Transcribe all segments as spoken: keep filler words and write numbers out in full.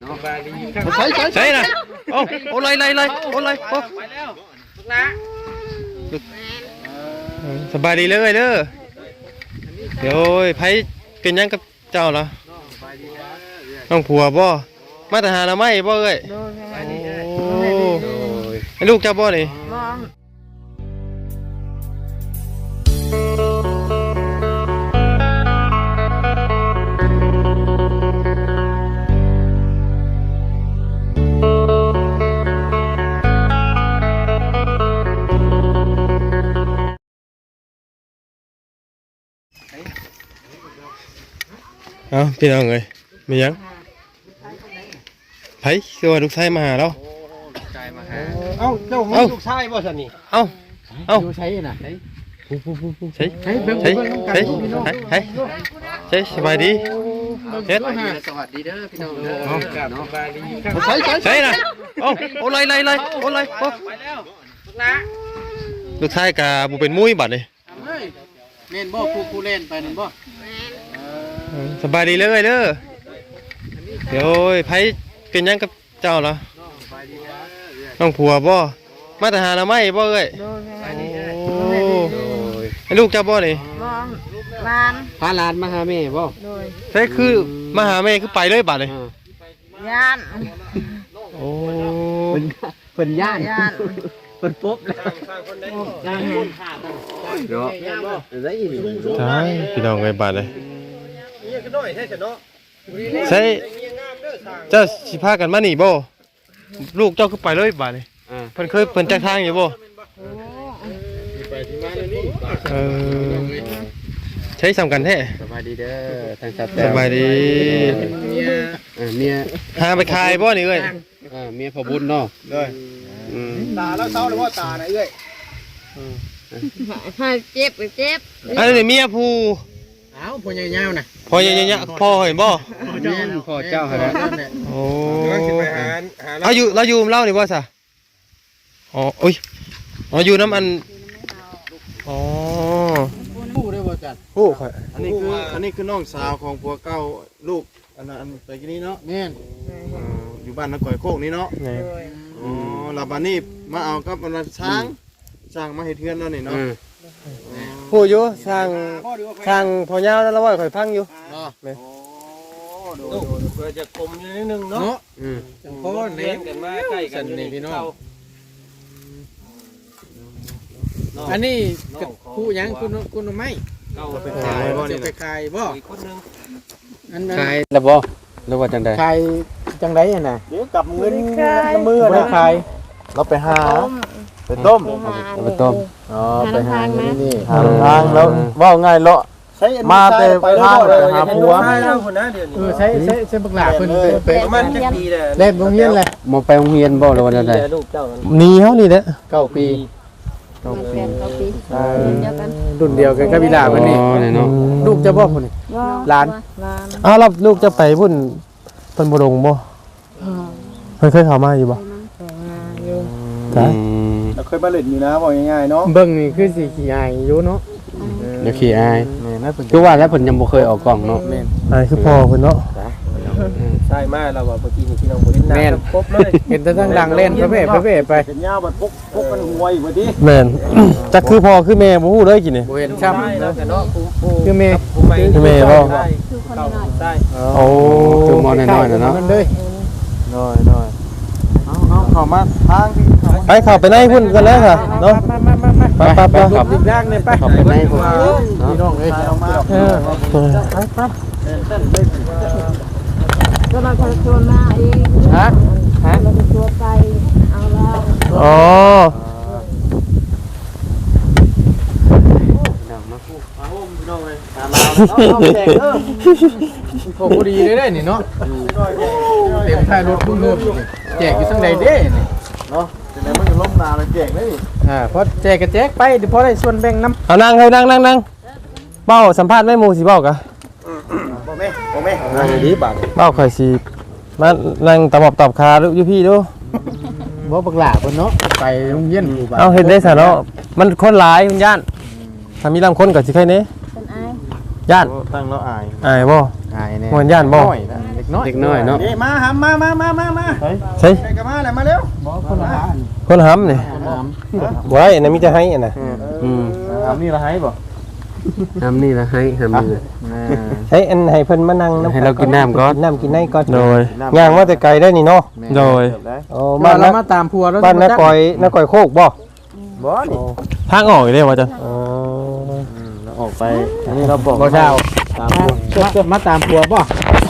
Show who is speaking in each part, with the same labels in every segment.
Speaker 1: ใช่ใช่ใช่นะโอ้โอ้เลยเลยเลยโอ้เลยโอ้สบายดีเลยเด้อเดี๋ยวไผเป็นยังกับเจ้าเหรอน้องผัวบ่มาแต่หาหน่อไม้บ่เอ้ยโอ้ให้ลูกเจ้าบ่นี่เอาพี่น้องเอ้ยมียังไผคือว่าลูกชายมาหาเราเอ้าเจ้ามีลูกชายบ่ซั่นนี่เอ้าเอ้าใช้น่ะใช้ใช้ใช้ใช้ใช้ใช้ใช้สบายดีเฮ็ด
Speaker 2: สวัสดีเด้อพี่น้องเด้อ
Speaker 1: ใช้ใช้ใช้น่ะเอ้าโอ้เลยเลยเลยโอ้เลยโอ้ลูกชายกะบ่เป็นมุ้ยบัดนี่
Speaker 2: เล่นบ่ผู้ผู้เล่นไปนั่นบ่
Speaker 1: สบายดีเลยเด้อเดี๋ยวไผเป็นยังกับเจ้าเหรอน้องผัวบ่มาแต่หาหน่อไม้บ่เอ้ยโอ้ให้ลูกเจ้าบ่นี่
Speaker 3: ลาน
Speaker 2: พาหลานมาหาแม่บ่
Speaker 1: ใช่คือมาหาแม่คือไปเลยบัดนี่
Speaker 3: ย่าน
Speaker 1: โอ้
Speaker 2: เป็นเป็นย่าน
Speaker 3: ย่าน
Speaker 2: เป็นปุ๊บแล้วย่านเนาะได้ยิน
Speaker 1: ใช่พี่น้องไงบัดเลยใช่เจ้าสิพากันมานี่บ่ลูกเจ้าคือไปเลยบัดนี่เพิ่นเคยเพิ่นจักทางอยู่บ่เออใช้สำคัญแท้
Speaker 2: สบายดีเด้อทางสัตว์
Speaker 1: สบายดี
Speaker 2: เมียเมีย
Speaker 1: หาไปขายบ่นี่เอ้ย
Speaker 2: อ่าเมียพ่อบุญเนาะ
Speaker 1: เลย
Speaker 2: อืม
Speaker 4: ตาแล้วเศร้าแล้วว่าตาน่ะเอ้ย
Speaker 3: ให้เจ็บเจ็บ
Speaker 1: อันนี้เมียผู้
Speaker 2: อ้าวพ่อใหญ่ยาวน่ะ
Speaker 1: พ่อใหญ่ๆพ่อเห็นบ่
Speaker 2: พ่อเจ้าหั่นน่ะ
Speaker 1: โอ้เอาอยู่เราอยู่เล่านี่บ่ซะอ๋ออุ้ยอ๋ออยู่น้ำอันอ๋อ
Speaker 2: ผู้ได้บ่จัด
Speaker 1: ผู้ข่อย
Speaker 4: อันนี้คืออันนี้คือน้องสาวของผัวเก่าลูกอันนั้นไปกินนี้เนาะ
Speaker 2: แม่น
Speaker 4: อยู่บ้านนักก่อยโคกนี้เนาะอ๋อแล้วบัดนี้มาเอากับอันนั้นช้างช้างมาเฮ็ดเฮือนแล้วนี่เนาะ
Speaker 1: ผู้อยู่สร้างสร้างพ่อยาวแล้วว่าข่อยพังอยู่
Speaker 4: เนาะโอ้ดูเพื่อจะกลมนิดนึงเนาะ
Speaker 2: อืม
Speaker 4: เพราะว่าเลี้ยงกันมาใกล้กันนี่พี่น้อง
Speaker 2: อันนี้ผู้ยังคุณคุณไม่
Speaker 4: เก้าไปขายบ่นี่
Speaker 2: ไปขายบ่
Speaker 4: อีกคนนึง
Speaker 2: อันนั้นขายแล้วบ่หรือว่าจังได๋ขายจังได๋อ่ะน่ะ
Speaker 4: เดี๋ยวกลับเงินน้ำมือนะ
Speaker 2: ขาย
Speaker 4: เราไปหาไปต้ม
Speaker 2: ไปต้ม
Speaker 4: อ๋อไปหานี่นี่หาทางแล้วว่าง่ายเลาะมาแต่ไปทางหาผัว
Speaker 2: เออใช้ใช้ใช้บักหลาเพิ่นไป
Speaker 4: ประมาณจักปีแหละ
Speaker 2: เล่นโรงเรียนแหละบ่ไปโรงเรียนบ่หรือว่าจังได๋
Speaker 1: หนีเฮานี่แหละ
Speaker 2: เก้าปี
Speaker 3: เก้าปีเก้าปีเดียวกัน
Speaker 2: รุ่นเดียวกันกับวิลาเพิ่นนี่เนาะลูกจะบ่พุ่นนี่หลาน
Speaker 1: อ้าวแล้วลูกจะไปพุ่นเพิ่นบ่ลงบ่เพิ่นเคยเข้ามาอยู่บ่
Speaker 4: จ้ะเราเคยมาเล่นอยู่นะบอกง่ายๆเนาะ
Speaker 2: เบิ่งนี่คือสิขี้อายอยู่เนาะเดี๋ยวขี้อายแม่นเพิ่นคือว่าแล้วเพิ่นยังบ่เคยออกกล้องเนาะ
Speaker 1: แม่นอายคือพ่อเพิ่นเนาะ
Speaker 4: ใช่มาแล้วว่าเมื่อกี้นี่พี่น้องบ่ได้นั่งครบเลย
Speaker 2: เห็นแต่ทั้งดังเล่นพระเพ่พระเพ่ไป
Speaker 4: เห็นยาวบัดปุ๊กปุ๊กมันหวยบ่ติ
Speaker 1: แม่นจักคือพ่อคือแม่บ่ฮู้เลยกินนี่
Speaker 2: บ่เห็นช้ำเนาะคือแม่
Speaker 1: คือแม่บ่
Speaker 3: คือคนน้อยใช่
Speaker 1: โอ้
Speaker 2: คือมอน้อยๆเนาะ
Speaker 4: น้อยๆเอาๆเข้ามาทางที่
Speaker 1: ไปเข้าไปในพุ่นกันแล้วค่ะเนาะ
Speaker 2: ไปๆๆไปๆขับอีกทางนึงไปเข้าไปในพุ่นพี่น้องเอ้ยเอามา
Speaker 3: เออไปไปก็เราจะชวนมาเอง
Speaker 2: ฮะฮะ
Speaker 3: เราจะชวนไปเอาแล้ว
Speaker 1: อ๋อ
Speaker 2: โอ้โหดีเลยได้นี่เนาะเต็มท้ายรถพุ่งเริ่มแจกอยู่ทั้งใดเด้นี่
Speaker 4: เนาะจังได๋มันจะล้มนาเลยแจกเลย
Speaker 2: อ่าพอแจกก็แจกไปเดี๋ยวพอได้ส่วนแบ่งนำ
Speaker 1: เอานั่งให้นั่งนั่งนั่งเบ้าสัมภาษณ์แม่หมู่สิเบ้ากะ
Speaker 4: บ่แม่บ่แม่นั่งดีบาด
Speaker 1: เบ้าข่อยสิมานั่งตะบอบตอบคาอยู่พี่ดู
Speaker 2: บ่บักหลาเพิ่นเนาะไปโรงเรียนอยู่
Speaker 1: บ้านเอาเฮ็ดได้ซะเนาะมันคนหลายคุณย่านถ้ามีลำคนก็สิใครแน่
Speaker 3: เป็นอาย
Speaker 1: ย่าน
Speaker 4: ตั้งแล้วอาย
Speaker 1: อายบ่
Speaker 2: อายแน่
Speaker 1: ม่วนย่านบ่
Speaker 2: เล็กน้อย
Speaker 5: เด็กน้อยเนาะ
Speaker 4: นี่มาหำมามามามามา
Speaker 1: ใช่
Speaker 4: ใครกันมาแหละมาเร็ว
Speaker 1: คนหำนี่บ่ได้อันนั้นมีแต่ให้อันน่ะ
Speaker 5: อืม
Speaker 4: หำนี่ละให้บ่
Speaker 5: ทำนี่ละให้ทำนี่ละ
Speaker 1: ใช้อันให้เพิ่นมานั่งน้ำ
Speaker 5: ให้เรากินน้ำก่อน
Speaker 1: น้ำกินในก่อน
Speaker 2: โดย
Speaker 1: ย่างมาแต่ไกลได้นี่เนาะ
Speaker 2: โดย
Speaker 1: โอ้
Speaker 2: บ้า
Speaker 1: บ้าน น
Speaker 2: เรา
Speaker 1: นัก
Speaker 2: มาตามพัวแล้ว
Speaker 1: บ้านนักก่อยนักก่อยโคกบ่
Speaker 4: บ่นี่
Speaker 2: ทางออกอีกได้ว่าจัง
Speaker 1: อ๋อ
Speaker 4: เราออกไปอันนี้เราบอก
Speaker 2: บ่เช้าตามพัวมาตามพัวป่ะ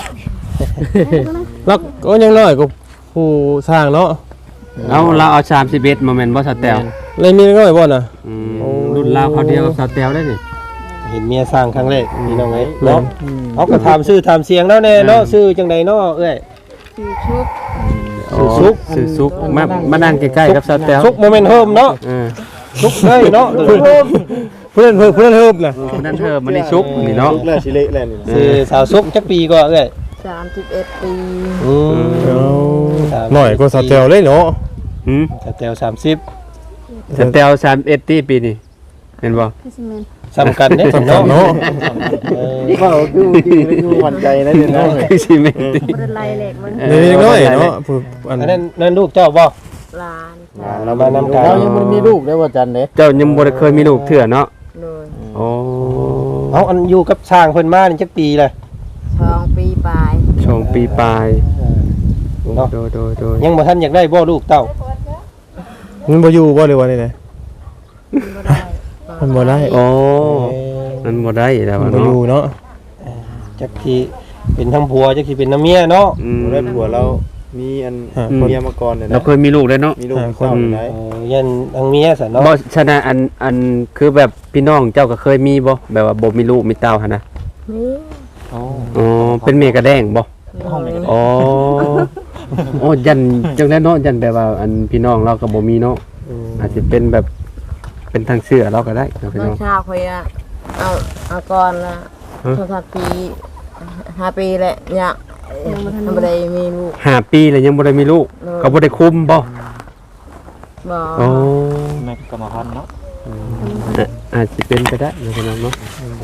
Speaker 1: แล้วก็ยังน้อยก็ผู้สร้างเนาะ
Speaker 5: เอาเราเอาสามสิบเอ็ดมาแม่นบ่สแตล
Speaker 1: เลยมีน้อยบ่น่ะ
Speaker 5: อืมรุ่นราวเขาวเดียวกับสแตลได้นี่
Speaker 1: เห็นเมียสร้างครั้งแรกนี่น้องไงเนาะเขาก็ถามชื่อถามเสียงแล้วแน่เนาะชื่อจังใดเนาะเอ้ย
Speaker 3: คือชุบ
Speaker 1: สุก
Speaker 5: สื่อซุกมามานั่งใกล้ๆกับสแตล
Speaker 1: สุกโมเมนต์เฮิมเนาะ
Speaker 5: เออ
Speaker 1: สุกเลยเนาะเพื่อนเพื่อนเพื่อนเฮิมน่ะ
Speaker 5: คนนั้นเธอมันได้ซุกนี่เนาะ
Speaker 4: ลุกแล้วสิเละแล้วนี่
Speaker 1: คือสาวสุกจักปีก็เอ้ย
Speaker 3: สามสิบเอ็ดปี
Speaker 1: อืม
Speaker 2: หน่อยก็สเตลเลยเนาะ
Speaker 5: หืม
Speaker 1: สาวแตวสามสิบ
Speaker 5: สแตลสามสิบเอ็ดตีปีนี่เห็นบ่
Speaker 3: พี่สมิน
Speaker 1: สำคัญเด้เนาะเนาะเออ
Speaker 4: ว่าคือคือคือหวั่นใจนะเดี๋ยวนะ
Speaker 5: คือสิแม่นติ
Speaker 3: บริไลเหล็กมัน
Speaker 2: เด็กน้อยเนาะผู้อัน
Speaker 1: อันนั้นนั่นลูกเจ้าบ่
Speaker 3: ลาน
Speaker 1: เรามานำกัน
Speaker 2: เรายังบ่มีลูกได้ว่าจันเด้
Speaker 5: เจ้ายังบ่ได้เคยมีลูกเถื่อเนาะ
Speaker 3: เลย
Speaker 5: โอ้
Speaker 1: เอาอันอยู่กับช้างเพิ่นมานี่จักปีเลย
Speaker 3: สองปีปลาย
Speaker 5: ชงปีปลาย
Speaker 1: เนาะ
Speaker 5: โดยโดยโดย
Speaker 1: ยังบ่ทันอยากได้บ่ลูกเต้า
Speaker 2: มันบ่อยู่บ่หรือว่านี่แหละ
Speaker 3: บ่ได้
Speaker 2: มันบ่ได้
Speaker 5: โอ้มันบ่ได้แล้ว
Speaker 2: มันบ่
Speaker 5: เนาะ
Speaker 2: อยู่เนาะ
Speaker 1: จักที่เป็นทั้งผัวจักที่เป็นน้ำเมียเนาะ
Speaker 5: อืม
Speaker 4: ได้ผัวเรามีอันเมียมาก่อนเนี่ย
Speaker 5: เรา
Speaker 4: นะ
Speaker 5: เคยมีลูกได้เนาะ
Speaker 4: มีลูกมีเต้าอยู่ไหน
Speaker 1: เออยันทั้งเมียซะเนาะ
Speaker 5: บ่ชนะอันอันคือแบบพี่น้องเจ้าก็เคยมีบ่แบบว่าบ่มีลูกมีเต้าหั่นนะ
Speaker 3: นี่
Speaker 5: อ๋อเป็นเมียกระแดงบ่
Speaker 3: เลย
Speaker 5: อ๋อโอ้ยันจังได๋เนาะยันแบบว่าอันพี่น้องเราก็บ่มีเนาะอาจจะเป็นแบบเป็นทางเชื่อเราก็ได้เนาะพี่
Speaker 3: น้อ
Speaker 5: น้
Speaker 3: ง
Speaker 5: อง
Speaker 3: ชาวคอยอะเอาเอาก่อนละสองสามปีห้าปีแหละเนี่ยยังไม่ได้มีลูก
Speaker 5: ห้าปีแล้วยังบ่ได้มีลูก
Speaker 3: เออ
Speaker 5: ก็บ่ได้คุมบ่
Speaker 3: บ่
Speaker 5: อ๋อ
Speaker 4: แม่กรรมพันธ์เนาะ
Speaker 5: อ่ะอาจจะเป็นไปได้เนาะพี่น้องเนาะ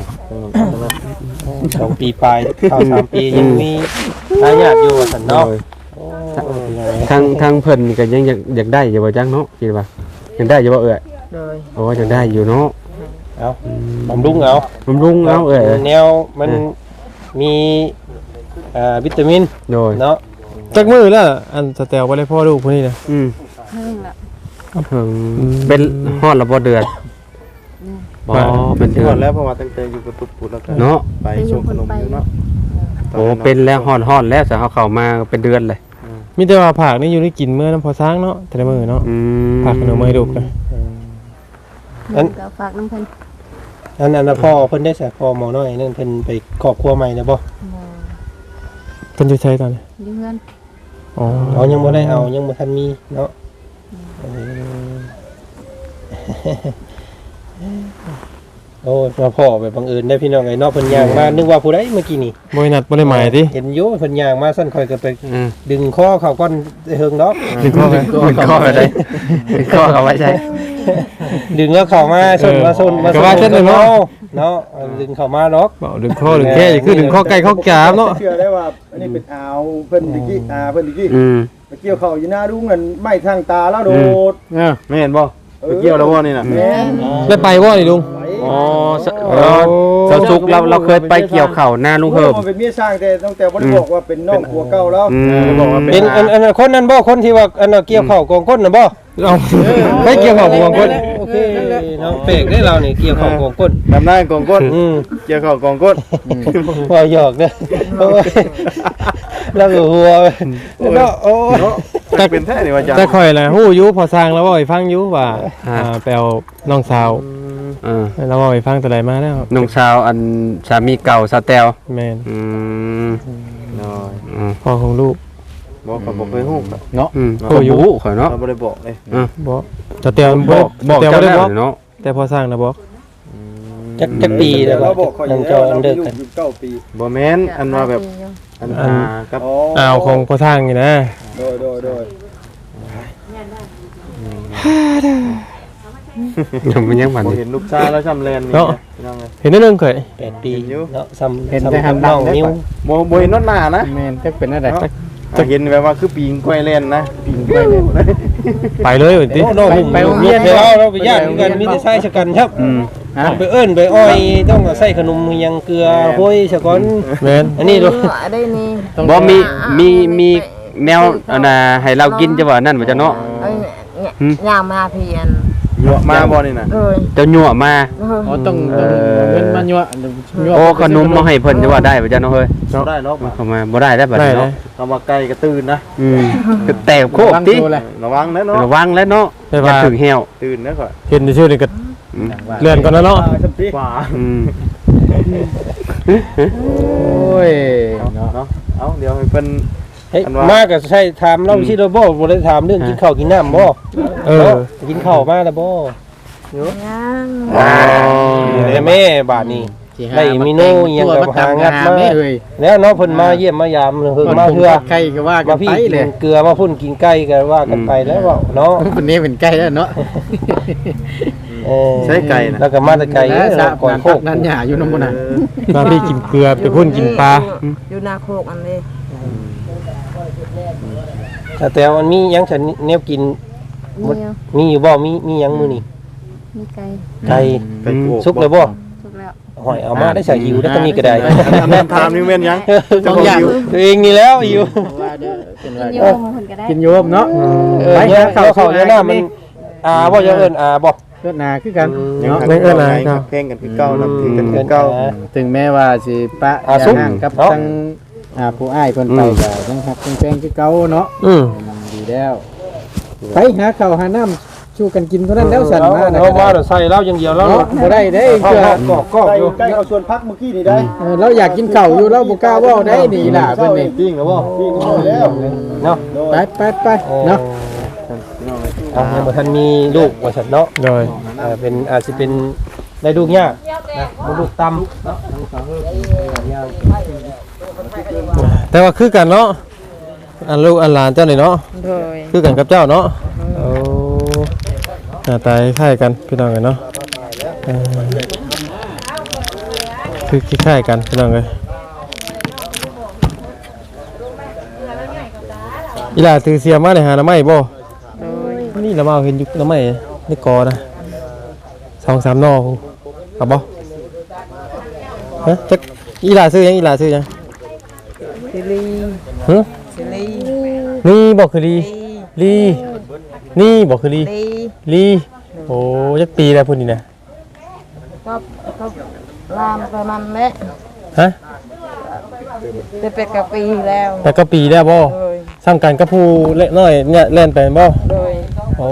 Speaker 1: สองปีปลายเข้าสามปียังมีทายาทอยู่ซั่นเนาะ
Speaker 5: ทางทางเพิ่นนี่ก็ยังอยากอยากได้อยู่บ่จังเนาะคิดว่ายังได้อยู่บ่เอ่ย
Speaker 3: เลย
Speaker 5: โอ้ยังได้อยู่เนาะ
Speaker 1: เอาบำรุงเอา
Speaker 5: บำรุงเอาเอ่ย
Speaker 1: แนวมันมีอ่าวิตามิน
Speaker 5: โดย
Speaker 1: เนาะ
Speaker 2: จักมือแล้วอันสเตลบ่ได้พ่อลูกผู้นี้นะ
Speaker 5: อืม
Speaker 3: เพิ่งละ
Speaker 5: เพิ่งเป็นฮอดละบ่เดือนบ่เป็นเดื
Speaker 4: ก่
Speaker 5: อ
Speaker 4: อน นแล้วเพราะว่าตั้งแต่อยู่กับปุ๊บปุ๊บแล้วก็
Speaker 5: เนาะ
Speaker 4: ไปชมขนมอยู่เนาะ
Speaker 5: โอ้เป็นแล้วฮอดฮอดแล้วแต่เฮาเข้ามาเป็นเดือนเลย
Speaker 2: มีแต่ว่าผักนี่อยู่ได้กินมื้อน้ำพอสร้างเนาะแต่ละมื้อเนาะ
Speaker 5: อืม
Speaker 2: ผักขนมให้ลูกนะ
Speaker 1: อัน
Speaker 3: ก็ฝากน้ำเพิ่น
Speaker 1: อันอันน่ะพ่อเพิ่นได้แสพ่อหมอน้อยนั่นเพิ่นไปครอบครัวใหม่แล้วบ่
Speaker 3: บ่
Speaker 2: เพิ่นจะใช้ตอนนี้
Speaker 3: อยู่เพื่อน
Speaker 2: อ๋อ
Speaker 1: เอายังบ่ได้เอายังบ่ทันมีเนาะเออโอ้มาพ่อไปบังเอิญได้พี่น้องไอ้เนาะเพิ่นย่างมานึกว่าผู้ใดเมื่อกี้นี่
Speaker 2: บ่ได้นัดบ่ได้หมายติ
Speaker 1: เห็นอยู่เพิ่นย่างมาซั่นค่อยก็ไป
Speaker 5: อืม
Speaker 1: ดึงคอเขาก้อนเฮิงดอก
Speaker 2: ดึงข้อไป
Speaker 5: เป็นข้อไปได้เป็นข้อเอาไว้ใช้
Speaker 1: ดึงแล้วเข้ามาชนมาชนมา
Speaker 2: ก็ว่าเช่นนั้นเนาะ
Speaker 1: เนาะเอาดึงเข้ามาดอก
Speaker 2: เบาดึงข้อดึงแค่คือดึงข้อไก่ข้อจามเนาะ
Speaker 6: เชื่อได้ว่าอันนี้เป็นอ่าวเพิ่นดิกี้อ่าเพิ่นดิกี้
Speaker 5: อืม
Speaker 6: ไปเกี่ยวเข้าอยู่หน้าดุ้งนั่นไม่ทางตาแล้วโดด
Speaker 4: เออไม่เห็นบ่ไปเกี่ยวแล้วบ่นี่น่ะ
Speaker 6: แม่น
Speaker 2: ได้ไปบ่นี่ลุง
Speaker 5: อ๋อสเออเสาสุกเราเราเคยไปเกี่ยวข้าวหน้าลุงเฮิม
Speaker 6: มันเป็นเมียสร้างแต่ตั้งแต่บ่ได้บอกว่าเป็นน้องผัวเก่าแล้ว
Speaker 5: อืม
Speaker 4: บอกว่า
Speaker 1: เป็
Speaker 4: เป็น น
Speaker 1: อันอันอันคนนั้นบ่คนที่ว่าอันน่ะเกี่ยวเข้ากองก้นน่ะบ่
Speaker 2: เอาไปเกี่ยวข้าวบางคน
Speaker 1: โอเคเนาะเปกได้เรานี่เกี่ยวเข้ากองก้น
Speaker 4: ทำได้กองก้น
Speaker 1: อืม
Speaker 4: เกี่ยวเข้ากองก้น
Speaker 1: พอหยอกเด้อโอ้ยแล้วก็หัวเนาะโอ้ย
Speaker 4: เนาะแต่เป็นแท้นี่ว่าจ้ะ
Speaker 2: แต่ข่อยแหละฮู้อยู่พอสร้างแล้วบ่ให้ฟังอยู่ว่าอ่าไปเอาน้องสาว
Speaker 5: เออ
Speaker 2: แล้วบ่ให้ฟังแต่ใดมาแล้ว
Speaker 5: น้องสาวอันสามีเก่าสาวแตว
Speaker 2: แม่น
Speaker 5: อืม
Speaker 4: น้อย
Speaker 5: อืม
Speaker 2: พ่อของลูก
Speaker 4: บอกเขาบอกเคยฮู้ครับ
Speaker 5: อืมโอ้ยข่อยเนาะ
Speaker 4: เราบ่ได้บอกเลย
Speaker 2: บ่แต่แต่
Speaker 5: บ
Speaker 2: บ่
Speaker 5: อกบอก
Speaker 2: แต่
Speaker 5: เจ้า
Speaker 2: บ่ได้
Speaker 5: แล้
Speaker 2: บ
Speaker 5: ว
Speaker 2: อก
Speaker 5: เนาะ
Speaker 2: แต่พอสร้างนะบอก
Speaker 1: จักจักปีแล้ว
Speaker 6: เรา
Speaker 1: ว่า
Speaker 6: บอกเขาอ
Speaker 1: นั่
Speaker 6: ยู่
Speaker 1: ง
Speaker 6: แล้
Speaker 1: จอ
Speaker 6: ว
Speaker 1: อั
Speaker 6: เรา
Speaker 1: นเดิก
Speaker 6: อยู่
Speaker 1: กัน
Speaker 6: อยู่เก้าปี
Speaker 4: บ่แม่นอันว่าแบบอันอากับ
Speaker 6: อ๋อ
Speaker 2: อ้าวของพอสร้างนี่นะ
Speaker 6: โดยโดยโดย
Speaker 5: ยังมันยังมัน
Speaker 4: บ่เห็นลูกชายแล้วช้ำแลนนี่
Speaker 1: เนาะ
Speaker 4: พี่น้องเอ้ย
Speaker 1: เห็นนิดนึงเคย
Speaker 2: แปดปี
Speaker 4: เห็นอยู่
Speaker 2: เนาะซ้ำ
Speaker 5: เห็น
Speaker 2: ซ้ำ
Speaker 5: แต่หัน
Speaker 2: น้
Speaker 5: ดั
Speaker 2: อง ง
Speaker 5: ได้
Speaker 2: นิ้ว
Speaker 5: ปะ
Speaker 4: บ่บ่เห็นนอนหน้านะ
Speaker 5: แม่นจักเป็นอะไร
Speaker 4: เนาะจะเห็นแบบว่าคือปีงกล้วยแล่นนะปีงกล้วยแล่น
Speaker 1: ไปเลยเหมือนติ
Speaker 2: โอ้น้อง
Speaker 5: ไปไปโรงเรียน
Speaker 2: ไปเอาเราไปย่างกันมีแต่ใช้ชะกันครับ
Speaker 5: อืมฮะ
Speaker 2: ไปเอิ้นไปอ้อยต้องใส่ขนมยังเกลือห้อยซะก่อน
Speaker 1: แม่น
Speaker 2: อันนี้ดู
Speaker 3: ได้นี่
Speaker 5: บ่มีมีมีแนวอันน่ะให้เรากินจะว่านั่นบ่จ้ะเนาะ
Speaker 3: เอ้ยเนี่ยยามมาเพียน
Speaker 4: เยอะมาบ่นี่น่ะ
Speaker 3: เลย
Speaker 5: เจ้ายั่วมา
Speaker 6: อ๋อต้องต้องเงินมายั่วยั่ว
Speaker 5: โอ้ขนมมาให้เพิ่นจะว่าได้บ่จ้ะเนาะเฮ้ย
Speaker 4: บ่ได้เนาะ
Speaker 5: เข้ามาบ่ได้ได้บัด
Speaker 1: ได้
Speaker 5: นี้
Speaker 1: เล
Speaker 5: เนาะ
Speaker 1: ย
Speaker 4: คำว่าไก่ก็ตื่นนะ
Speaker 5: อืมก็แตกโคกติ
Speaker 4: ระวังนะเนาะ
Speaker 5: ระวังแล้วเนาะ
Speaker 1: ได้
Speaker 5: อย่า
Speaker 1: ว่า
Speaker 5: ถึงแฮว
Speaker 4: ตื่นนะก่อน
Speaker 1: เห็นชื่อนี่ก็
Speaker 5: อืม
Speaker 1: เลื่อนก่อนนะเนาะ
Speaker 4: ว่า
Speaker 5: อืม
Speaker 6: โอ้ย
Speaker 4: เนาะเนาะเอาเดี๋ยวให้เพิ่น
Speaker 2: เฮ้ย
Speaker 4: อันว่า
Speaker 2: มาก็ใช่ถามเราสิเราบ่บ่ได้ถามเรื่องกินข้าวกินน้ำบ่
Speaker 1: เออ
Speaker 2: เนาะกินข้าวมาแล้วบ่
Speaker 3: ยัง
Speaker 5: อ๋อ
Speaker 2: แต่แม่บาดนี้ ได้มีโน่อิหยังกับหางัดมา
Speaker 6: เอ้ย
Speaker 2: แล้วเนาะเพิ่นมาเยี่ยมมายามเพิ่นมาเทื่อ
Speaker 6: ใครก็ว่ากั
Speaker 2: มาน พี่
Speaker 6: ไป
Speaker 2: กิ
Speaker 6: เลย
Speaker 2: นเกลือมาพุ่นกินไก่กันว่ากันไปแล้วเว้าเนาะ
Speaker 6: คนนี้เป็นใกล้แล้วเนาะ
Speaker 2: เออ
Speaker 4: ใช้ไก่นะ
Speaker 2: แล้วก็มาแต่ไก่
Speaker 6: แล้ว
Speaker 2: เนาะ
Speaker 6: สา
Speaker 2: ก่อนโคก
Speaker 6: นั้นหยาอยู่น้ำมันน่ะ
Speaker 1: มาพี่กินเกลือไปพุ่นกินปลา
Speaker 3: อยู่นาโคกอันนี้
Speaker 2: แต่แต่มันมีหยังฉันแนวกิน
Speaker 7: มีอยู่
Speaker 2: มีอยู่บ่มีมีหยังมื้อนี้
Speaker 7: มีไก่
Speaker 2: ไก่
Speaker 4: ไก่โก
Speaker 2: สุกเลยบ่
Speaker 7: ถูกแล้ว
Speaker 2: หอยเอามาได้ใส่หิวแล้วก็มีก็ได้
Speaker 4: แม่นถามนี่แม่นยัง
Speaker 6: ต้องอยาก
Speaker 2: ตัวเองนี่แล้วหิว
Speaker 6: ว่าเด้อเป็น
Speaker 7: กิ
Speaker 6: ว่าน
Speaker 7: โยมคนก็ได้
Speaker 6: กินโยมเนาะ
Speaker 2: เออเนี่ยเขาเขาเนี่ยหน้ามันอ่าบ่จะเอิ้นอ่าบ่
Speaker 6: เพื่อนนาคือกัน
Speaker 4: ยัง
Speaker 6: เนาะ
Speaker 4: ไม่เอิ้นอะไรครับเพลงกันคือเก่านับถือกันคือเก่า
Speaker 6: ถึงแม้ว่าสิปะ
Speaker 2: อ่าสุก
Speaker 6: ห่างกับ
Speaker 2: เนาะ
Speaker 6: ทั้งอ่าผู้อ้ายเพิ่นไปก็ยังฮักยังแพงคือเก่าเนาะ
Speaker 1: อืม
Speaker 6: ดีแล้วไปหาข้าวหาน้ำสู้กันกินเท่านั้นแล้วสั่นมานะ
Speaker 2: เนาะว่าใส่เหล้าอย่างเดียวแล้ว
Speaker 6: เนาะบ่ได้เด้
Speaker 2: เกลื
Speaker 6: เพื่อ
Speaker 2: อกอกอกอยู่
Speaker 6: ใกล้เอาส่วนพักเมื่อกี้นี่ได้เออเราอยากกินข้าวอยู่เราบ่กล้าเว้าได้นี่ล่ะเพิ่นนี่
Speaker 4: ปิ้งแล้วบ่ปิ้งแล้ว
Speaker 2: เนาะ
Speaker 6: ไปไปไปเนาะ
Speaker 2: เอายังบ่ทันมีลูกว่าซั่นเนาะ
Speaker 1: โดย
Speaker 2: อ่าเป็นอาจสิเป็นได้ลูกยากนะบ่ลูกต่ำเนาะ
Speaker 1: แต่ว่าคือกันเนาะอันลูกอันหลานเจ้านี่เนาะ
Speaker 3: โดย
Speaker 1: คือกันกับเจ้าเนาะโอ้หน้าตาคล้ายกันพี่น้องเอ้ยเนาะเออคือคล้ายๆกันพี่น้องเอ้ยอีหล่าถือเสียมาได้หาหน่อไม้บ่
Speaker 3: โดย
Speaker 1: นี่ละมาเอาเห็นอยู่หน่อไม้ในกอนะสองสามหน่อเอาบ่ฮะจักอีหล่าซื้อยังอีหล่าซื้อยัง
Speaker 3: สิลี
Speaker 1: ฮะ
Speaker 3: สิลี
Speaker 1: นี่บอกคือลีลีนี่บอกคือลี
Speaker 3: ลี
Speaker 1: ลีโอ้ยักปีแล้วพุ่นนี่นะ
Speaker 3: ก็ก็ลามไปมันแหละ
Speaker 1: ฮะ
Speaker 3: จะเป็นกับปีแล้ว
Speaker 1: แต่ก็ปีแล้วบ่
Speaker 3: โดย
Speaker 1: สร้างกันกับผู้เล็กน้อยเนี่ยเล่นไปบ่
Speaker 3: โดย
Speaker 1: โอ้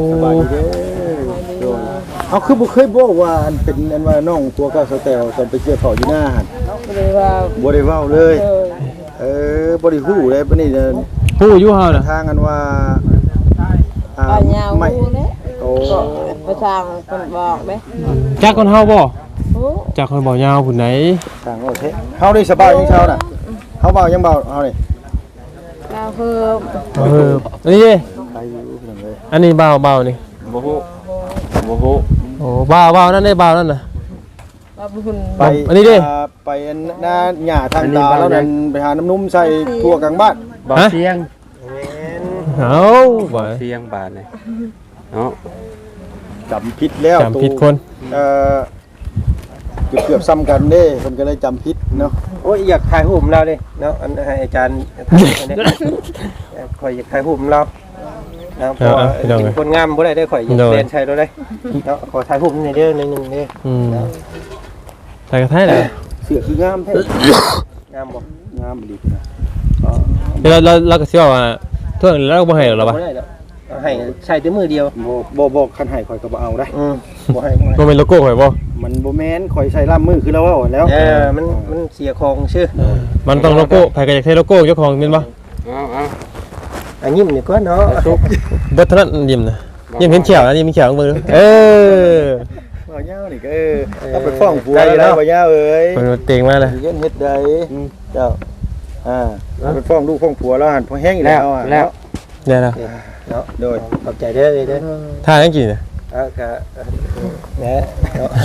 Speaker 6: เอาคือบ่เคยบอกว่าอันเป็นอันว่าน้องตัวก็สแตลตอนไปเกี่ยวข้าวอยู่หน้าหั่น
Speaker 3: หรือว่า
Speaker 6: บ่ได้เว้าเลย
Speaker 3: โดย
Speaker 6: เออบ่ได้ฮู้เลยปานนี้เด้อ
Speaker 1: ผู้อยู่เฮาน่ะ
Speaker 6: ทางอันว่าอ่า
Speaker 3: ปัญญา
Speaker 6: ไม่
Speaker 3: วูเลย
Speaker 6: โอ้
Speaker 3: ก็ประชางคนบอกเด้
Speaker 1: จักคนเฮาบ่
Speaker 3: โอ้
Speaker 1: จักคนบ่ยาวพุ่นไหน
Speaker 6: ทางโอเคเฮาได้สบายยังเช้าน่ะเฮาเบายังเบาเฮานี่
Speaker 3: ก็คือ
Speaker 1: เอออันนี้ดิ
Speaker 6: ใครอยู่พี่น้องเอ้ย
Speaker 1: อันนี้เบาเบานี่
Speaker 4: บ่ฮู้บ่ฮู้
Speaker 1: โอ้เบาเบานั่นได้เบานั่นน่ะ
Speaker 3: ว่าบุญ
Speaker 6: ไป
Speaker 1: อันนี้ดิ
Speaker 6: าไปอันหน้าหญ้าทางตาแล้วนั่นไปหาน้ำนุ่มใส่ทั่วกลางบ้าน
Speaker 5: บ่เสียง
Speaker 1: เอ้าบ่
Speaker 5: เสียงบาดนี่เนาะ
Speaker 6: จำผิดแล้ว
Speaker 1: จำผิดคน
Speaker 6: เอ่อเกือบเกือบซ้ำกันเด้เพิ่นก็เลยจำผิดเนาะ
Speaker 2: โอ้ยอยากถ่ายรูปเราดิเนาะอันให้อาจารย์ถ่ายอันนี้ข่อยอยากถ่ายรูปเรานะเพราะว่าเป็นคนงามบ่ได้ได้ข่อยอยากเรียนใช้เราได้เนาะขอถ่ายรูปหน่อยเด้อหนึงๆเด้อ
Speaker 1: อืมใส่กระทะแหละ
Speaker 6: เสือคืองามแท้
Speaker 2: งามบ่
Speaker 6: งามดีนะ
Speaker 1: เดี๋ยวเราเราเราก็สิว่าว่าเท่านั้นเราบ่ให้หรอกล่ะบ่
Speaker 2: บ่ได้ดอกเอาให้ใช้แต่มือเดียว
Speaker 6: บ่บ่บ่คันให้ข่อยก็บ่เอาได้
Speaker 2: อืมบ่ให้บ่ให้
Speaker 1: บ่เป็นโลโก้ข่อยบ่
Speaker 6: มันบ่แม่นข่อยใส่ล่ามมือคือเราเว้าแล้ว
Speaker 2: เออมันมันเสียของชื่อ
Speaker 1: มันต้องโลโก้ไผก็อยากใช้โลโก้เจ้าของแม่นบ่
Speaker 5: เอาเอา
Speaker 2: อันยิ้มนี่ก็เนาะ
Speaker 1: เบิดเท่านั้นยิ้มนะยิ้มเห็นเขียวนะยิ้มเห็นเขียวของมือเออ
Speaker 6: บ่ยาวนี่ก็เออเอาไปฟ้องผัวแล้วบ่ยาวเอ้ย
Speaker 1: มันเต็งมากเลย
Speaker 6: เฮ็ดเฮ็ดใดเจ้าอ่าเอาไปฟ้องลูกฟ้องผัวแล้วหั่นพอแห้งอีกแล้วอ่ะ
Speaker 5: แล้ว
Speaker 1: เนี่ยนะ
Speaker 2: เนาะ
Speaker 6: โดย
Speaker 2: ขอบใจเด้อเด้อ
Speaker 1: ท่ายังกี่เนี่ย
Speaker 2: เออก็แหน่เนาะ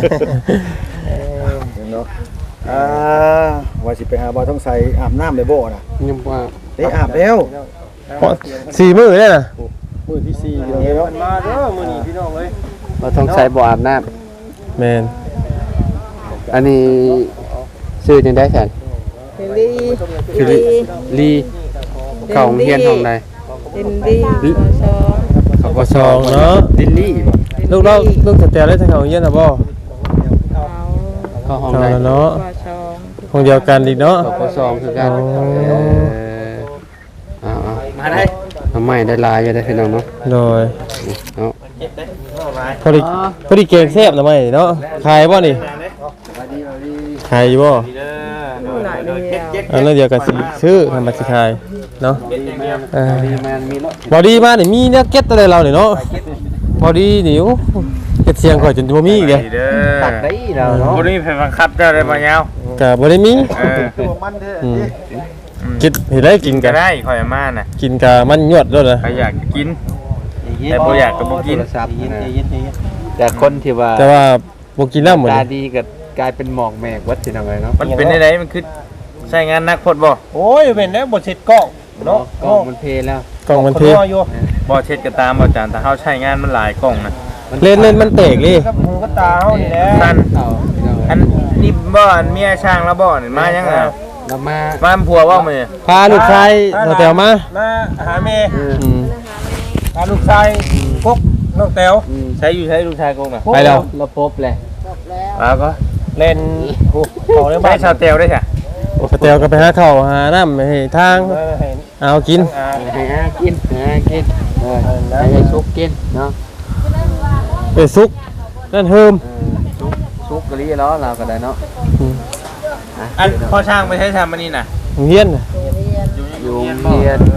Speaker 6: เนาะอ่าว่าสิไปหาบ่ต้องใส่อาบน้ำได้บ่น่ะ
Speaker 5: ยังว่า
Speaker 6: ได้อาบแล้ว
Speaker 1: เพราะสี่มื้อเลยน่ะ
Speaker 6: มื้อที่สี่เดี๋ยว
Speaker 2: เดี๋ยว
Speaker 6: เนาะ
Speaker 2: มันมาเด้อมื้อนี้พี่น้องเอ้ย
Speaker 5: เราต้องใส่บ่อาบน้ำ
Speaker 1: แม่น
Speaker 5: อันนี้ชื่อจังได้แสน
Speaker 3: ลี
Speaker 5: ชื่อลีลีเข้าโรงเรียนห้องใด
Speaker 3: ลินดีชอ
Speaker 5: เขาก็
Speaker 1: สองเนาะ
Speaker 5: ลิลลี่บ่
Speaker 1: ลูกเราลูกสแตลได้ทางเขาเรียนน่ะบ่
Speaker 5: เข้าห้อง
Speaker 1: เอา
Speaker 5: ใด
Speaker 1: ละเนาะ
Speaker 3: ว่าชอง
Speaker 1: ห้องเดียวกันอีกเนาะ
Speaker 5: เขาก็สองคือกัน
Speaker 1: อ๋อ
Speaker 5: เออเอาเอามาได้ทำไมได้ลายอยู่ได้พี่น้องเนาะ
Speaker 1: โดย
Speaker 5: เอา
Speaker 1: พอดีพอดีเก่งแซ่บนะไหมเนาะขายบ่นี่ขายอยู่บ่
Speaker 3: หน่อยเดียว
Speaker 1: อันนั้นเดียวกันสิซื้อทำมาสิขายเนาะเออ
Speaker 5: ดีแมนมีรถ
Speaker 1: บอดี้มานี่มีเนี่ยเก็ตอะไรเราเนี่ยเนาะบอดี้นี่โอ้เก็ตเสียงข่อยจนบ่มีอีกเลย
Speaker 5: ตัดได้แล้วเนาะ
Speaker 8: บ่ได้มีไผบังคับเจ้าได้บ่ยาว
Speaker 1: ก็บ่ได้มี
Speaker 8: เออ
Speaker 2: ตัวมันเด้อ
Speaker 1: อืมกินเห็นได้กิน
Speaker 8: ก็
Speaker 1: กัน
Speaker 8: ได้ข่อยมาน่ะ
Speaker 1: กินกะมันยวดด้วยนะ
Speaker 8: ใครอยากกิน แต่บ่อยากก็บ่กิน
Speaker 5: โทรศัพท์
Speaker 2: เย็น
Speaker 5: นะ
Speaker 2: เย็นเย็น
Speaker 5: แต่คนที่ว่า
Speaker 1: แต่ว่าบ่กินน้ำหมด
Speaker 5: ตาดีก็กลายเป็นหมอกแมกวัดที่ทำไงเนาะ
Speaker 8: มันเป็นได้ไดมันคือใช้งานหนักโพดบ่
Speaker 2: โอ้ยเป็นแล้วบ่เสร็จกล้องเนาะ
Speaker 5: กล้องมันเพลแล้ว
Speaker 1: กล่องมันเพ
Speaker 2: ขออยู่
Speaker 8: บ่เช็ดก็ตามบ่จานแต่เฮาใช้งานมันหลายกล้องนะ
Speaker 1: เล่นเล่นมันแตกเลย
Speaker 2: กับหูกับตาเฮานี่แหละ
Speaker 8: สั้น
Speaker 5: เอาพี่น้อง
Speaker 8: อันนี่บ่อันเมียช่างแล้วบ่นี่มายังอ่ะ
Speaker 5: เรามา
Speaker 8: บ้านผัวบ่มื้อ
Speaker 1: พาลูกชายเราแตวมา
Speaker 2: มาหาแม่
Speaker 1: อืม
Speaker 2: พาลูกชายพกน้องแต๋ว
Speaker 8: ใช้อยู่ใช้ลูกชายกงน่ะ
Speaker 1: ไปแล้ว
Speaker 5: เราพบเลย
Speaker 8: แล้วก็
Speaker 2: เล่นโอ้ขอเลย
Speaker 8: ไป
Speaker 2: บ้าน
Speaker 8: ชาวเตลได้จ้ะ
Speaker 1: สแตวก็ไปหาข้าวหาน้ำให้ทาง
Speaker 2: เออเห็น
Speaker 1: เอากิน
Speaker 2: อ่า
Speaker 5: ให้อากินให้อากินเออให้ยายซุกกินเนาะ
Speaker 1: ไปซุกนั่นเฮิม
Speaker 5: ซุกซุกกะลีล้อเราก็ได้เนาะ
Speaker 8: อันพ่อช่างไปใช้ทำอันนี้น่ะ
Speaker 1: เฮียน
Speaker 5: อยู่โรงเรียน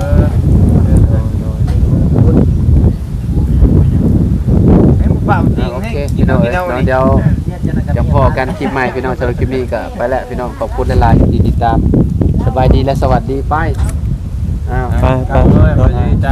Speaker 8: ให้มึงปรับจริง
Speaker 5: โอ
Speaker 8: ให้
Speaker 5: เค
Speaker 8: กิ
Speaker 5: พี่
Speaker 8: น
Speaker 5: น้
Speaker 8: เอา
Speaker 5: อง
Speaker 8: กินเอา
Speaker 5: เนาะ
Speaker 8: นี่
Speaker 5: เดี๋ยวจะพอกันคลิปใหม่พี่น้องสำหรับคลิปนี้ก็ไปแล้วพี่น้องขอบคุณหลายๆที่ติดตามสบายดีและสวัสดีไปอ้าว
Speaker 1: ไปไป
Speaker 8: เนาะจ้า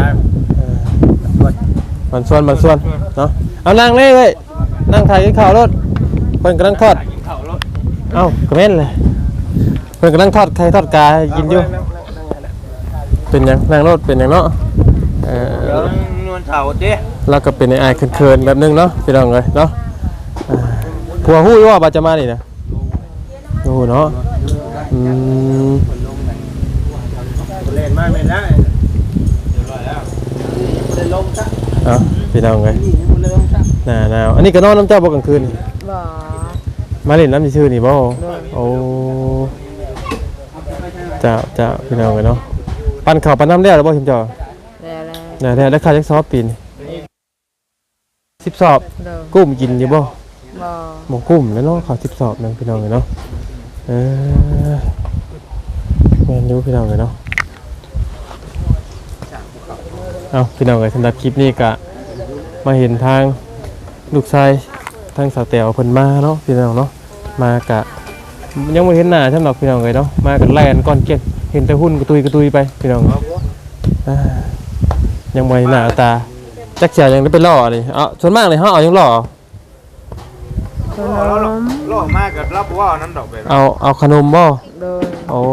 Speaker 1: มันส่วนมันส่วนเนาะเอานั่งเลยเว้ยนั่งถ่ายกินข้าวรถเพิ่นกำลังทอดเอ้ากระเม่นเลยเพิ่นกำลังทอดไข่ทอดกาให้กินอยู่เป็นหยังนั่งรถเป็นหยังเนาะเอ
Speaker 8: เดี๋ยว
Speaker 1: อ
Speaker 8: นวลเถาเด้
Speaker 1: เราก็เป็นไอ้เขินๆแบบนึงเนาะพี่น้องเลยเนาะอ่าผัวฮู้อยู่ว่าบาจะมานี่นะโอ้เนาะอืม
Speaker 2: เล่นมาไม่ได้
Speaker 1: เอาพี่น้องเลยหนาวหนาวอันนี้ก็นอนน้ำเจ้าบ่กลางคืน
Speaker 3: บ่
Speaker 1: มาเล่นน้ำชื่อๆนี่บ่โอ้เจ้าเจ้าพี่น้องเลยเนาะปั่นข้าวปั่นน้ำแล้วหรือบ่ชิมเจ้า
Speaker 3: แล้วแล้ว
Speaker 1: น่ะได้ค่าจักซอบปีนสิบสอบ
Speaker 3: เด้อ
Speaker 1: กุ้มกินอยู่บ่
Speaker 3: บ่
Speaker 1: หมูกุ้มแล้วเนาะขอสิบสอบหนึงพี่น้องเลยเนาะเออแม่นอยู่พี่น้องเลยเนาะเอาพี่น้องเลยสำหรับคลิปนี้ก็มาเห็นทางลูกชายทางสาวแต๋วเพิ่นมาเนาะพี่น้องเนาะมากะยังไม่เห็นหน้าสำหรับพี่น้องเลยเนาะมากันแล่นก้อนเกล็ดเห็นแต่หุ่นกระตุยกระตุยไปพี่น้องอ่ายังไม่หน้าตาจักเสียยังได้ไปล่อเลยเอาส่วนมากเลยเฮาเอายังล่อ
Speaker 3: ขนม
Speaker 8: โลมากกับรับว่านั้นดอกไป
Speaker 1: เอาเอาขนมบ่
Speaker 3: โดย
Speaker 1: โอ้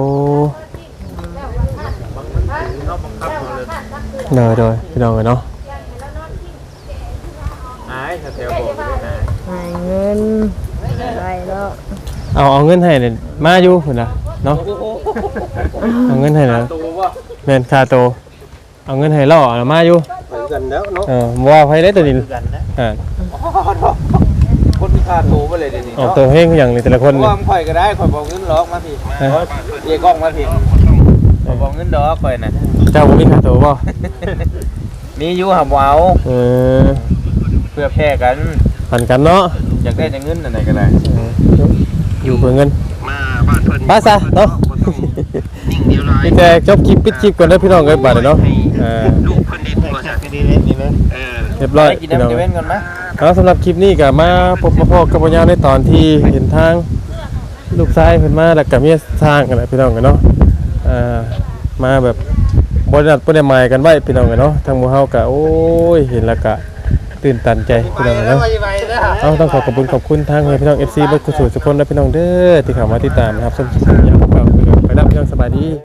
Speaker 1: เนยโดยพี่น้องเลยเนาะ
Speaker 8: ไอ้ชาวเตลบอกเลยนะ
Speaker 3: ให้เงินได้แล้ว
Speaker 1: เอาเอาเงินให้เนี่ยมาอยู่พุ่นน่ะเนาะเอาเงินให้นะ
Speaker 8: ตัวว่า
Speaker 1: แม่นค่าโตเอาเงินให้ล่อน่ะมาอยู่
Speaker 2: ไปกันแล้วเนาะ
Speaker 1: เออบ่ว่าไผได้ตัวนี้
Speaker 8: กันนะ
Speaker 1: อ่า
Speaker 8: คนมีค่าตัวไปเลยเดี๋ยวนี้
Speaker 1: ออก
Speaker 8: เนาะ
Speaker 1: ตัวเฮงอย่างนี้แต่ละคน
Speaker 8: เพราะ
Speaker 1: นี่
Speaker 8: ว่ามันข่อยก็ได้ข่อยบอกเงินล็อกมาพี่
Speaker 1: ฮะ
Speaker 8: เรียกกล้องมาพี่ข่อยบอกเงินดอกข่อยน่ะ
Speaker 1: เจ้าบ่มีค่าโตบ่
Speaker 8: มีอยู่หับเอา
Speaker 1: เออ
Speaker 8: เพื่อแพร่กัน
Speaker 1: ปันกันเนาะ
Speaker 8: อยากได้จะเงินอะไรก็ได้
Speaker 1: เอออยู่เพื่อเงิน
Speaker 2: มาบ้านเพิ่น
Speaker 1: ไปซะเนาะ
Speaker 2: นิ่งเดียวร้าย
Speaker 1: มีแต่จบคลิปปิดคลิปก่อนเด้อพี่น้องเอ้ยบาดนี้เนาะเออ
Speaker 2: ลูกเพิ่นเด็ดตัวจากที่นี่เล่นนี่เลยเออ
Speaker 1: เรียบร้อย
Speaker 8: ไปกิน
Speaker 1: พี่น้อง
Speaker 8: น้ำจะเว้นกันไหม
Speaker 1: แล้วสำหรับคลิปนี้ก็มาพบมาพบกับพ่อยาวในตอนที่เห็นทางลูกชายเพิ่นมาแล้วก็เมียสร้างกันแหละพี่น้องกันเนาะอ่ามาแบบบ่ได้นัดบ่ได้หมายกันไว้พี่น้องกันเนาะทางหมู่เฮาก็โอ้ยเห็นแล้วก็ตื่นตันใจพี่น้องเนาะเอาต้องขอขอบคุณขอบคุณทางพี่น้อง เอฟ ซี เบิดกุศลทุกคนและพี่น้องเด้อที่เข้ามาติดตามนะครับสำหรับยามเก่าไปแล้วพี่น้องสบายดี